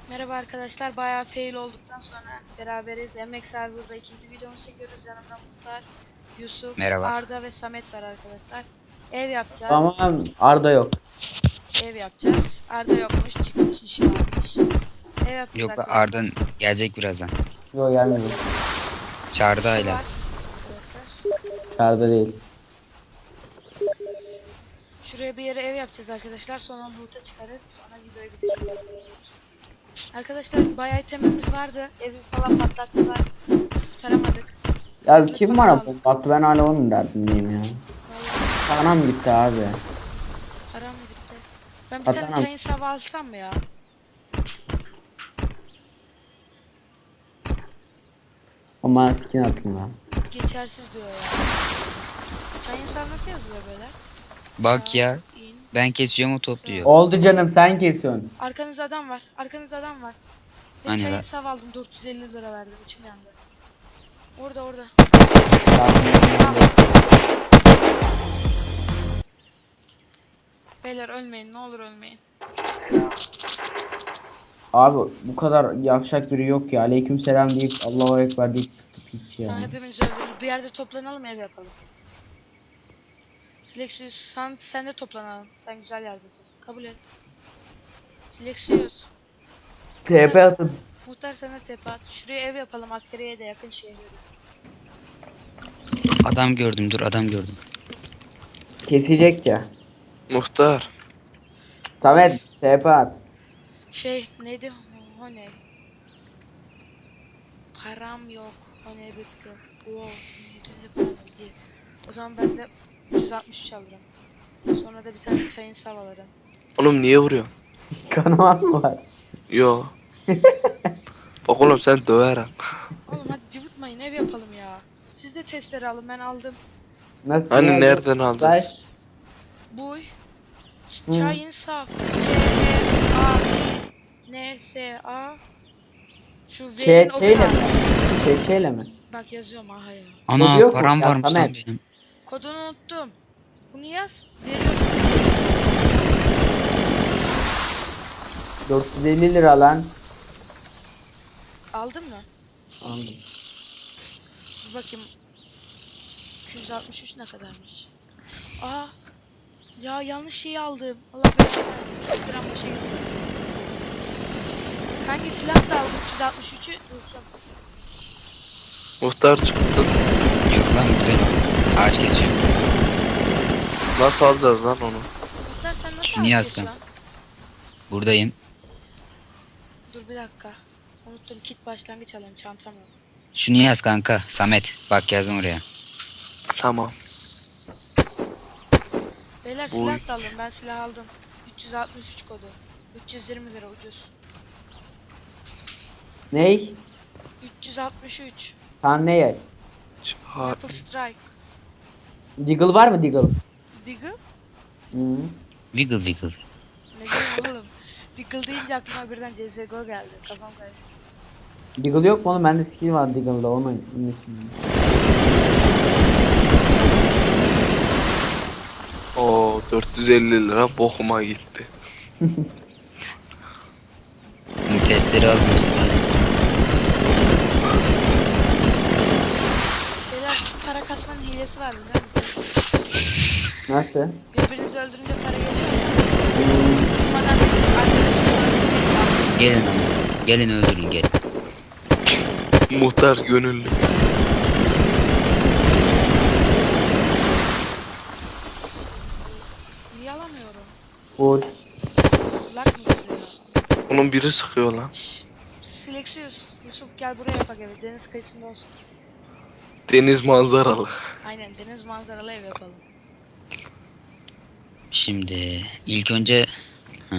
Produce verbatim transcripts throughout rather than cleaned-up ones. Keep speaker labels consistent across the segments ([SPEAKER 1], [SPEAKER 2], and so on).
[SPEAKER 1] Merhaba arkadaşlar, bayağı fail olduktan sonra beraberiz. M X Server'da ikinci videomuzu çekiyoruz. Yanımda Muhtar, Yusuf,
[SPEAKER 2] Merhaba.
[SPEAKER 1] Arda ve Samet var arkadaşlar. Ev yapacağız.
[SPEAKER 3] Tamam, Arda yok.
[SPEAKER 1] Ev yapacağız. Arda yokmuş, çıkmış, işi varmış. Ev yapacağız
[SPEAKER 2] Yok
[SPEAKER 1] arkadaşlar.
[SPEAKER 2] Arda'nın gelecek birazdan.
[SPEAKER 3] Yok gelmedi.
[SPEAKER 2] Çağırdı
[SPEAKER 1] İşi
[SPEAKER 2] hala.
[SPEAKER 1] var arkadaşlar.
[SPEAKER 3] Arda değil.
[SPEAKER 1] Şuraya bir yere ev yapacağız arkadaşlar. Sonra loot'a çıkarız. Sonra videoyu bitireceğiz arkadaşlar. Arkadaşlar bayağı itemimiz vardı. Evi falan patlattılar. Kurtaramadık.
[SPEAKER 3] Ya
[SPEAKER 1] Biz de
[SPEAKER 3] kim
[SPEAKER 1] para
[SPEAKER 3] bana
[SPEAKER 1] aldık.
[SPEAKER 3] bomba attı, ben hala onun derdindeyim ya.
[SPEAKER 1] Vallahi
[SPEAKER 3] Sana mı gitti abi?
[SPEAKER 1] param gitti. Ben bir
[SPEAKER 3] Hatta-
[SPEAKER 1] tane çayın sava alsam mı ya?
[SPEAKER 3] O bana skin atın lan.
[SPEAKER 1] Geçersiz diyor ya. Çayın sava nasıl yazılıyor böyle?
[SPEAKER 2] Bak ya.
[SPEAKER 1] İn.
[SPEAKER 2] Ben kesiyorum o topluyor.
[SPEAKER 3] Oldu canım, sen kesiyorsun.
[SPEAKER 1] Arkanızda adam var. Arkanızda adam var. Ben
[SPEAKER 2] Hani
[SPEAKER 1] çayın
[SPEAKER 2] lan?
[SPEAKER 1] sava aldım. dört yüz elli lira verdim. İçim yandı. Orada orada. Beyler ölmeyin. Ne olur ölmeyin.
[SPEAKER 3] Abi bu kadar yavşak biri yok ya. Aleykümselam deyip Allahu Ekber deyip sıktık hiç
[SPEAKER 1] Tamam,
[SPEAKER 3] ya.
[SPEAKER 1] hepimiz öldürürüz. Bir yerde toplanalım, ev yapalım. Silexius sen, sen de toplanalım. Sen güzel yerdesin. Kabul et. Silexius.
[SPEAKER 3] T P atın.
[SPEAKER 1] Muhtar sana tepe at. Şuraya ev yapalım. Askeriye de yakın şehre.
[SPEAKER 2] Adam gördüm, dur adam gördüm.
[SPEAKER 3] Kesecek ya.
[SPEAKER 4] Muhtar.
[SPEAKER 3] Samet T P at.
[SPEAKER 1] Şey neydi? O ne? Param yok. O ne bitti? Wow, şimdi param yok diye. O zaman ben de üç yüz altmış üç alırım. Sonra da bir tane çayın sav alırım.
[SPEAKER 4] Oğlum niye vuruyorsun?
[SPEAKER 3] Kanaman mı var?
[SPEAKER 4] Yo. Bak oğlum sen döverim.
[SPEAKER 1] Oğlum hadi cıvıtmayın, ev yapalım ya. Siz de testleri alın, ben aldım.
[SPEAKER 3] Nasıl?
[SPEAKER 4] Hani
[SPEAKER 3] ne
[SPEAKER 4] nereden
[SPEAKER 3] yazıyor?
[SPEAKER 4] aldın?
[SPEAKER 3] Taş.
[SPEAKER 1] Buy. Ç-
[SPEAKER 3] Hı.
[SPEAKER 1] Çayın sav. C H A N S A. Şu
[SPEAKER 3] Ç
[SPEAKER 1] V'nin o
[SPEAKER 3] Ç'yle
[SPEAKER 1] kadar.
[SPEAKER 3] mi? Ç Ç'yle mi?
[SPEAKER 1] Bak yazıyorum aha ya.
[SPEAKER 2] Ana
[SPEAKER 3] Kodu yok mu?
[SPEAKER 2] param
[SPEAKER 3] Ya
[SPEAKER 2] varmış lan
[SPEAKER 3] Samet.
[SPEAKER 2] benim.
[SPEAKER 1] Kodunu unuttum. Bunu yaz. Veriyorsun.
[SPEAKER 3] dört yüz elli lira lan.
[SPEAKER 1] Aldın mı?
[SPEAKER 3] Aldım.
[SPEAKER 1] Dur bakayım. iki yüz altmış üç ne kadarmış? Aa. Ya yanlış şeyi aldım. Allah belanı versin. yüz liram boşa gitti. Hangi silah da aldım? üç yüz altmış üçü dursun.
[SPEAKER 4] Muhtar çıktı.
[SPEAKER 2] Yok lan buradayım. Ağaç kesiyorum.
[SPEAKER 4] Nasıl alacağız lan onu?
[SPEAKER 1] Muhtar sen nasıl
[SPEAKER 2] Şunu yaz
[SPEAKER 1] açıyorsun
[SPEAKER 2] kan.
[SPEAKER 1] lan?
[SPEAKER 2] Buradayım.
[SPEAKER 1] Dur bir dakika. Unuttum, kit başlangıç alayım, çantam yok.
[SPEAKER 2] Şunu yaz kanka. Samet. Bak yazdım oraya.
[SPEAKER 4] Tamam.
[SPEAKER 1] Beyler
[SPEAKER 4] Oy.
[SPEAKER 1] silah da alın, ben silah aldım. üç yüz altmış üç kodu. üç yüz yirmi lira ucuz.
[SPEAKER 3] Ney?
[SPEAKER 1] üç yüz altmış üç.
[SPEAKER 3] Sen ne yer?
[SPEAKER 4] Ha,
[SPEAKER 1] Apple Strike.
[SPEAKER 3] Deagle var mı Deagle?
[SPEAKER 1] Diggle?
[SPEAKER 3] Hı.
[SPEAKER 2] Wiggle wiggle.
[SPEAKER 1] Ne diyeyim oğlum? Diggle deyince aklıma birden C S G O geldi. Kafam karıştı.
[SPEAKER 3] Deagle yok mu oğlum? Bende skill var Deagle'da. Onu unuttum.
[SPEAKER 4] o dört yüz elli lira bokuma gitti.
[SPEAKER 2] Bunu testleri almıyorsun.
[SPEAKER 1] Beyler para kasmanın hilesi var biliyor musunuz?
[SPEAKER 3] Nasıl?
[SPEAKER 1] Birbirinizi öldürünce para geliyor ya. Durmadan arkadaşını öldürmeyin.
[SPEAKER 2] Gelin ama. Gelin öldürün gelin.
[SPEAKER 4] Muhtar gönüllü.
[SPEAKER 1] Niye alamıyorum?
[SPEAKER 3] Full.
[SPEAKER 1] Lak mı geliyor?
[SPEAKER 4] Onun biri sıkıyor lan.
[SPEAKER 1] Şşş. Silexius. Yusuf gel buraya yapak evi. Deniz kıyısında olsun.
[SPEAKER 4] Deniz manzaralı.
[SPEAKER 1] Aynen, deniz manzaralı ev yapalım.
[SPEAKER 2] Şimdi ilk önce Heh.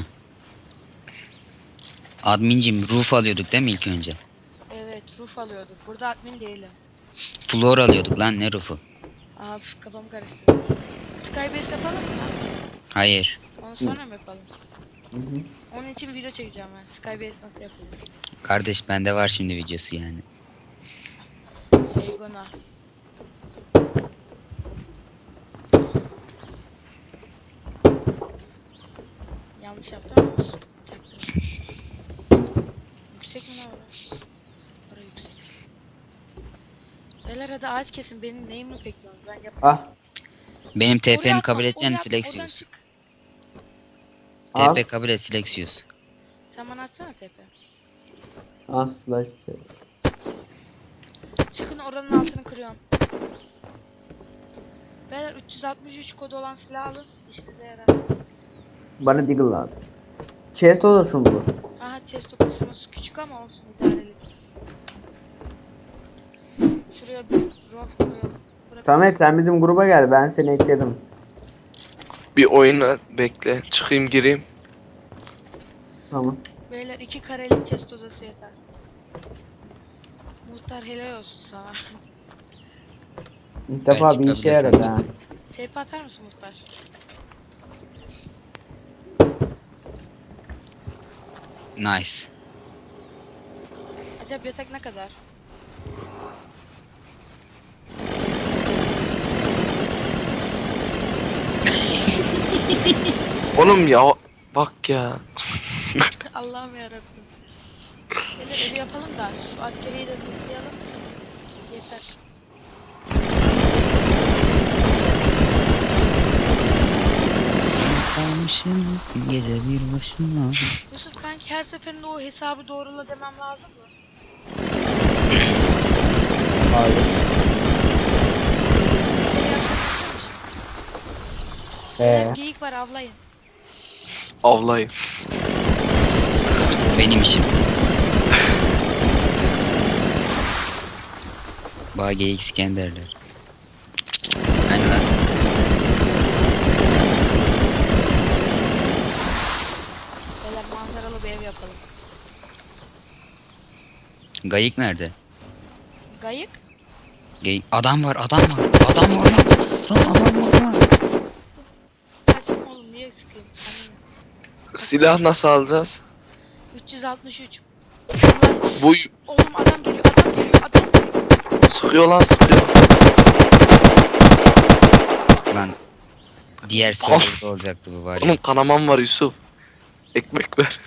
[SPEAKER 2] Admincim roof alıyorduk değil mi ilk önce?
[SPEAKER 1] Evet, roof alıyorduk. Burada admin değilim.
[SPEAKER 2] Floor alıyorduk lan, ne roof'u?
[SPEAKER 1] Aa, üf, kafam karıştı. Skybase yapalım mı lan?
[SPEAKER 2] Hayır.
[SPEAKER 1] Onu sonra mı yapalım?
[SPEAKER 3] Hı hı.
[SPEAKER 1] Onun için video çekeceğim ben. Skybase nasıl yapılıyor?
[SPEAKER 2] Kardeş bende var şimdi videosu yani.
[SPEAKER 1] Eygona. Yanlış yaptım ama olsun. Çaktırma. yüksek mi lan orası? Orası yüksek. Beyler hadi ağaç kesin. Benim neyimi bekliyorsunuz? Ben yapayım.
[SPEAKER 3] Ah.
[SPEAKER 2] Benim
[SPEAKER 1] Oraya
[SPEAKER 2] T P'mi
[SPEAKER 1] atma,
[SPEAKER 2] kabul
[SPEAKER 1] oraya
[SPEAKER 2] edeceksin
[SPEAKER 1] atma,
[SPEAKER 2] Silexius.
[SPEAKER 1] oradan çık.
[SPEAKER 3] Al.
[SPEAKER 2] T P kabul et Silexius.
[SPEAKER 1] Sen bana atsana T P.
[SPEAKER 3] Ah slash.
[SPEAKER 1] Çıkın oranın altını kırıyorum. Beyler üç yüz altmış üç kodu olan silah alın. İşinize yarar.
[SPEAKER 3] Bana Deagle lazım. Chest odası mı bu?
[SPEAKER 1] Aha chest odasımız küçük ama olsun idarelik. Şuraya bir rof koyalım. Bırak-
[SPEAKER 3] Samet sen bizim gruba gel, ben seni ekledim.
[SPEAKER 4] Bir oyuna bekle. Çıkayım gireyim.
[SPEAKER 3] Tamam.
[SPEAKER 1] Beyler iki karelik chest odası yeter. Muhtar helal olsun sana.
[SPEAKER 3] İlk defa
[SPEAKER 2] Ben
[SPEAKER 3] bir işe
[SPEAKER 2] çıkabilirsem
[SPEAKER 3] yaradı ha.
[SPEAKER 1] T P atar mısın muhtar?
[SPEAKER 2] Nice.
[SPEAKER 1] Acaba yatak ne kadar?
[SPEAKER 4] Oğlum ya bak ya.
[SPEAKER 1] Allah'ım yarabbim. Beyler evi yapalım da şu askeriyi de toplayalım. Yeter.
[SPEAKER 2] Kalmışım gece bir başıma.
[SPEAKER 1] Yusuf kanki her seferinde o hesabı doğrula demem lazım mı?
[SPEAKER 3] Hayır.
[SPEAKER 1] Evi yapmak istiyor musun?
[SPEAKER 3] Ee,
[SPEAKER 1] Beyler geyik var avlayın.
[SPEAKER 4] Avlayın.
[SPEAKER 2] Benim işim. Bana geyik İskenderler. Hani lan.
[SPEAKER 1] Beyler manzaralı bir ev yapalım.
[SPEAKER 2] Gayık nerede?
[SPEAKER 1] Gayık?
[SPEAKER 2] Geyik. Adam var adam var. Adam var lan. Lan adam var lan.
[SPEAKER 1] Kaçtım oğlum niye sıkayım? Anne.
[SPEAKER 4] Silah nasıl alacağız?
[SPEAKER 1] üç yüz altmış üç. Allah.
[SPEAKER 4] Bu
[SPEAKER 1] Oğlum adam geliyor adam geliyor adam geliyor.
[SPEAKER 4] sıkıyor lan sıkıyor.
[SPEAKER 2] Lan. Diğer serverda olacaktı bu var ya.
[SPEAKER 4] Oğlum kanamam var Yusuf. Ekmek ver.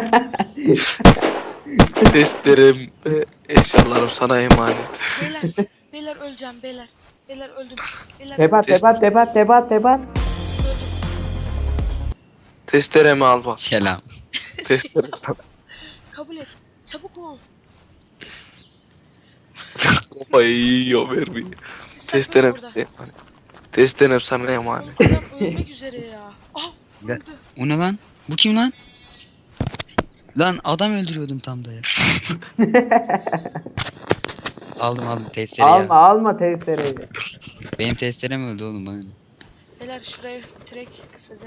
[SPEAKER 4] Testlerim, e, eşyalarım sana emanet.
[SPEAKER 1] Beyler beyler öleceğim beyler. Beyler öldüm. Beyler
[SPEAKER 3] tepat tepat tepat tepat tepat.
[SPEAKER 1] öldüm.
[SPEAKER 4] Testeremi al bak.
[SPEAKER 2] Selam.
[SPEAKER 4] Testerem sana.
[SPEAKER 1] Kabul et. Çabuk ol.
[SPEAKER 4] Kafayı yiyor vermeyi. Testerem
[SPEAKER 1] burada.
[SPEAKER 4] sana emanet. Testerem sana emanet.
[SPEAKER 1] Oğlum adam ölmek üzere ya. Ah
[SPEAKER 2] Ya.
[SPEAKER 1] öldü.
[SPEAKER 2] O ne lan? Bu kim lan? Lan adam öldürüyordum tam da ya. aldım aldım testereyi
[SPEAKER 3] Alma
[SPEAKER 2] ya.
[SPEAKER 3] alma testereyi.
[SPEAKER 2] Benim testerem öldü oğlum bana. ne?
[SPEAKER 1] Beyler şuraya trek kısaca.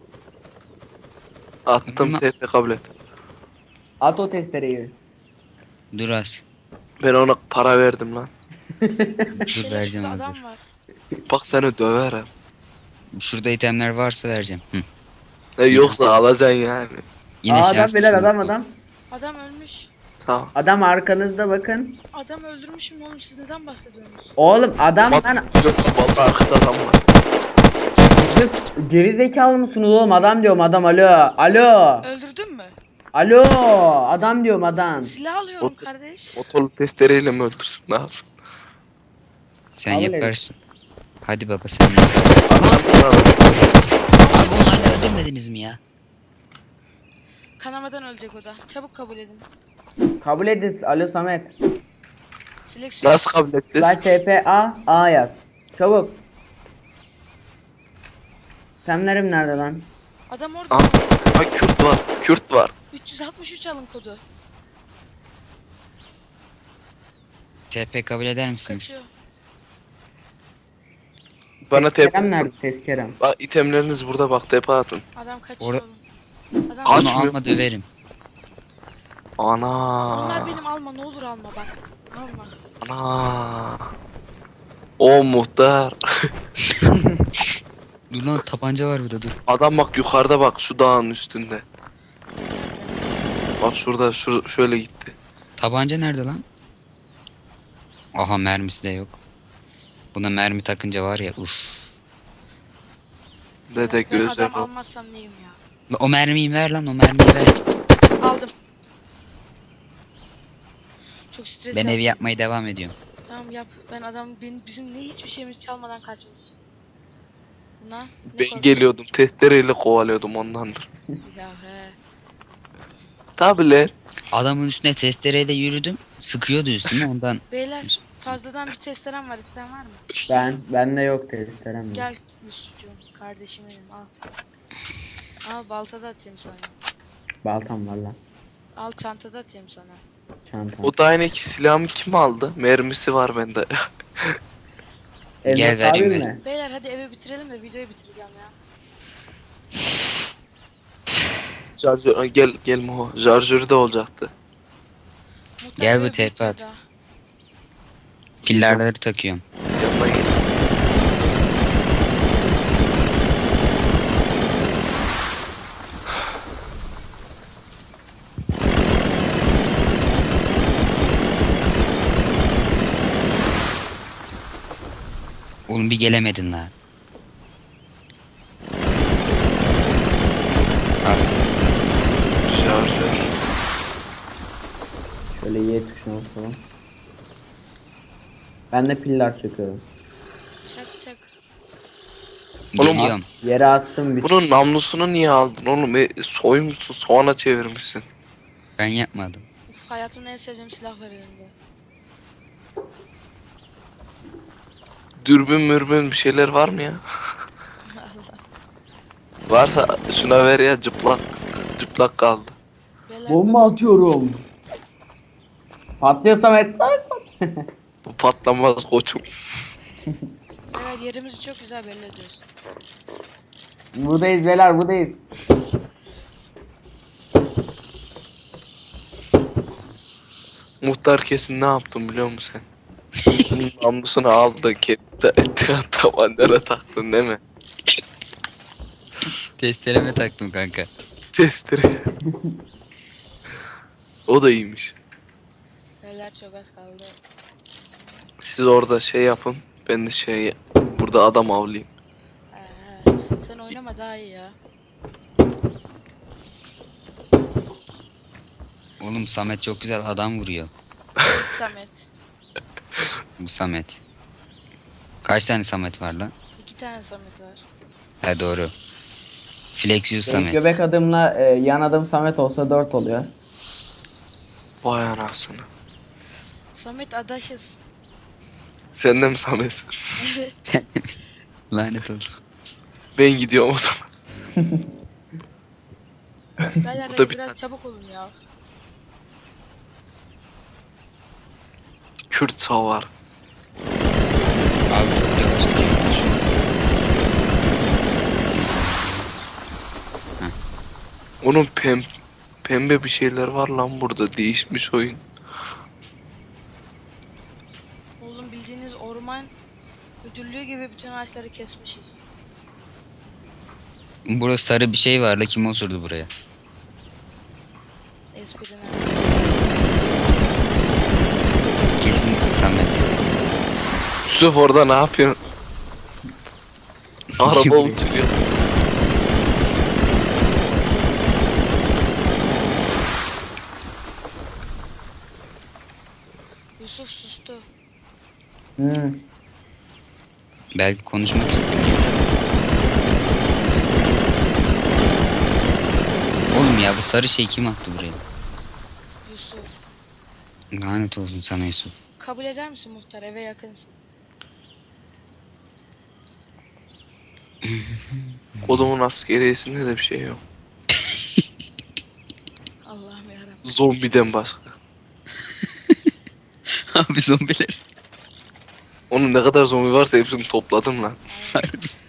[SPEAKER 4] Attım T P kabul et.
[SPEAKER 3] At o testereyi.
[SPEAKER 2] Dur az.
[SPEAKER 4] Ben ona para verdim lan.
[SPEAKER 2] Dur
[SPEAKER 1] Beyler
[SPEAKER 2] vereceğim
[SPEAKER 1] şurada
[SPEAKER 2] hazır.
[SPEAKER 1] adam var.
[SPEAKER 4] Bak seni döverim.
[SPEAKER 2] Şurada itemler varsa vereceğim. Hı.
[SPEAKER 4] E, yoksa alacaksın yani.
[SPEAKER 2] Yine
[SPEAKER 3] Aa, adam
[SPEAKER 2] şanslısın.
[SPEAKER 3] beyler adam adam.
[SPEAKER 1] Adam ölmüş.
[SPEAKER 4] Sağ ol.
[SPEAKER 3] Adam arkanızda bakın.
[SPEAKER 1] Adam öldürmüşüm oğlum siz neden bahsediyorsunuz?
[SPEAKER 3] Oğlum adam lan.
[SPEAKER 4] Yok vallahi arkada adam var.
[SPEAKER 3] Geri zekalı mısınız oğlum, adam diyorum adam, alo. Alo.
[SPEAKER 1] Öldürdün mü?
[SPEAKER 3] Alo. Adam diyorum adam.
[SPEAKER 1] Silah alıyorum
[SPEAKER 4] Ot-
[SPEAKER 1] kardeş.
[SPEAKER 4] Motorlu testereyle mi öldürsün ne yapsın?
[SPEAKER 2] Sen
[SPEAKER 3] Kabul
[SPEAKER 2] yaparsın. Hadi baba sen yap.
[SPEAKER 4] Adam
[SPEAKER 2] Abi onu hala öldürmediniz mi ya?
[SPEAKER 1] Kanamadan ölecek o da. Çabuk kabul edin.
[SPEAKER 3] Kabul edin. Alo Samet.
[SPEAKER 1] Seleksiyon.
[SPEAKER 4] nasıl kabul edeceğiz?
[SPEAKER 3] Slash T P A A yaz. Çabuk. Temlerim nerede lan?
[SPEAKER 1] Adam orada.
[SPEAKER 4] Aa, ha, Kürt var. Kürt var.
[SPEAKER 1] üç yüz altmış üç alın kodu.
[SPEAKER 2] T P kabul eder misiniz?
[SPEAKER 1] Kaçıyor.
[SPEAKER 4] Bana T P
[SPEAKER 3] Tezkerem nerede
[SPEAKER 4] atın.
[SPEAKER 3] tezkerem?
[SPEAKER 4] Bak itemleriniz burada bak T P atın.
[SPEAKER 1] Adam kaçıyor
[SPEAKER 2] Orada-
[SPEAKER 1] oğlum. Adam
[SPEAKER 4] Kaç-
[SPEAKER 2] Onu
[SPEAKER 4] Açmıyor.
[SPEAKER 2] alma döverim.
[SPEAKER 4] Ana.
[SPEAKER 1] Onlar benim alma ne olur alma bak. Alma.
[SPEAKER 4] Ana. O muhtar.
[SPEAKER 2] Dur lan tabanca var burada dur.
[SPEAKER 4] Adam bak yukarıda bak şu dağın üstünde. Bak şurada şu şöyle gitti.
[SPEAKER 2] Tabanca nerede lan? Aha mermisi de yok. Buna mermi takınca var ya uf.
[SPEAKER 4] Dede
[SPEAKER 1] Ben
[SPEAKER 4] gözler
[SPEAKER 1] adam
[SPEAKER 4] o.
[SPEAKER 1] almazsam neyim ya?
[SPEAKER 2] La o mermiyi ver lan o mermiyi ver.
[SPEAKER 1] Aldım. Çok stres
[SPEAKER 2] Ben
[SPEAKER 1] yaptım.
[SPEAKER 2] evi yapmaya devam ediyorum.
[SPEAKER 1] Tamam yap. Ben adam benim, bizim ne hiçbir şeyimiz çalmadan kaçmış. Buna ne
[SPEAKER 4] Ben
[SPEAKER 1] korkuyorsun?
[SPEAKER 4] geliyordum testereyle kovalıyordum ondandır.
[SPEAKER 1] Ya he.
[SPEAKER 4] Tabi lan.
[SPEAKER 2] Adamın üstüne testereyle yürüdüm. Sıkıyordu üstüme ondan.
[SPEAKER 1] Beyler fazladan bir testerem var, isteyen var mı?
[SPEAKER 3] Ben bende yok testerem yok.
[SPEAKER 1] Gel Yusufcuğum, kardeşim benim, al. Al, baltada atayım sana.
[SPEAKER 3] Baltam var lan.
[SPEAKER 1] Al, çantada atayım sana.
[SPEAKER 3] Çantam.
[SPEAKER 4] O dayaneki silahımı kim aldı? Mermisi var bende.
[SPEAKER 3] Emre
[SPEAKER 2] Gel vereyim
[SPEAKER 3] abim
[SPEAKER 2] ben.
[SPEAKER 3] mi?
[SPEAKER 1] Beyler hadi eve bitirelim de videoyu bitireceğim ya.
[SPEAKER 4] Şarjör, gel gel Moho. Şarjörü de olacaktı.
[SPEAKER 1] Muhtar
[SPEAKER 2] Gel
[SPEAKER 1] eve
[SPEAKER 2] bu tarafa
[SPEAKER 1] bitmedi
[SPEAKER 2] at.
[SPEAKER 1] daha.
[SPEAKER 2] Pillarları takıyorum.
[SPEAKER 4] Yanına gel.
[SPEAKER 2] Oğlum bir gelemedin lan. Al.
[SPEAKER 4] Şarjör.
[SPEAKER 3] Şöyle Y tuşuna basalım. Ben de piller çekiyorum.
[SPEAKER 1] Çak çak.
[SPEAKER 4] Oğlum,
[SPEAKER 2] Geliyorum.
[SPEAKER 3] Yere attım bir.
[SPEAKER 4] Bunun namlusunu niye aldın oğlum? E, soymuşsun soğana çevirmişsin.
[SPEAKER 2] Ben yapmadım.
[SPEAKER 1] Uf, hayatımda en sevdiğim silah var elimde.
[SPEAKER 4] Dürbün mürbün bir şeyler var mı ya?
[SPEAKER 1] Allah.
[SPEAKER 4] Varsa şuna ver ya cıplak. Cıplak kaldı.
[SPEAKER 1] Beyler,
[SPEAKER 3] Bomba atıyorum. Patlıyor Samet.
[SPEAKER 4] Bu patlamaz koçum.
[SPEAKER 1] beyler yerimizi çok güzel belli ediyoruz.
[SPEAKER 3] Buradayız beyler buradayız.
[SPEAKER 4] Muhtar kesin ne yaptın biliyor musun sen? Namlusunu aldı kendi tabanlara taktın değil mi?
[SPEAKER 2] Testereme taktım kanka.
[SPEAKER 4] Testere. O da iyiymiş.
[SPEAKER 1] Beyler çok az kaldı.
[SPEAKER 4] Siz orada şey yapın. Ben de şey burada adam avlayayım.
[SPEAKER 1] He he. Sen oynama daha iyi ya.
[SPEAKER 2] Oğlum Samet çok güzel adam vuruyor.
[SPEAKER 1] Samet.
[SPEAKER 2] Bu Samet. Kaç tane Samet var lan?
[SPEAKER 1] İki tane Samet var.
[SPEAKER 2] He doğru. Flexius
[SPEAKER 3] Benim
[SPEAKER 2] Samet.
[SPEAKER 3] göbek adımla e, yan adım Samet olsa dört oluyor.
[SPEAKER 4] Vay anasını.
[SPEAKER 1] Samet adaşız.
[SPEAKER 4] Sen de mi Samet?
[SPEAKER 1] Evet.
[SPEAKER 2] Sen lanet olsun.
[SPEAKER 4] Ben gidiyorum o zaman.
[SPEAKER 1] Beyler
[SPEAKER 4] Bu da
[SPEAKER 1] hadi
[SPEAKER 4] bir
[SPEAKER 1] biraz
[SPEAKER 4] tane.
[SPEAKER 1] çabuk olun ya.
[SPEAKER 4] Kürt savar.
[SPEAKER 2] Abi çok yavaş gidiyormuş.
[SPEAKER 4] Onun pem pembe bir şeyler var lan burada. Değişmiş oyun.
[SPEAKER 1] Oğlum bildiğiniz orman müdürlüğü gibi bütün ağaçları kesmişiz.
[SPEAKER 2] Burada sarı bir şey var la, kim osurdu buraya?
[SPEAKER 1] Esprine.
[SPEAKER 2] Kesin Samet.
[SPEAKER 4] Yusuf orada ne yapıyorsun? Araba uçuruyor.
[SPEAKER 1] Yusuf sustu.
[SPEAKER 3] Hmm.
[SPEAKER 2] Belki konuşmak istemiyor. Oğlum ya bu sarı şey kim attı buraya?
[SPEAKER 1] Yusuf.
[SPEAKER 2] Lanet olsun sana Yusuf.
[SPEAKER 1] Kabul eder misin muhtar? Eve yakınsın.
[SPEAKER 4] Kodumun askeriyesinde de bir şey yok.
[SPEAKER 1] Allah'ım yarabbim.
[SPEAKER 4] Zombiden başka.
[SPEAKER 2] Abi zombiler.
[SPEAKER 4] Onun ne kadar zombi varsa hepsini topladım lan.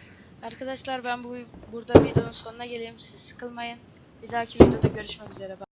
[SPEAKER 1] Arkadaşlar ben bu burada videonun sonuna geleyim. Siz sıkılmayın. Bir dahaki videoda görüşmek üzere.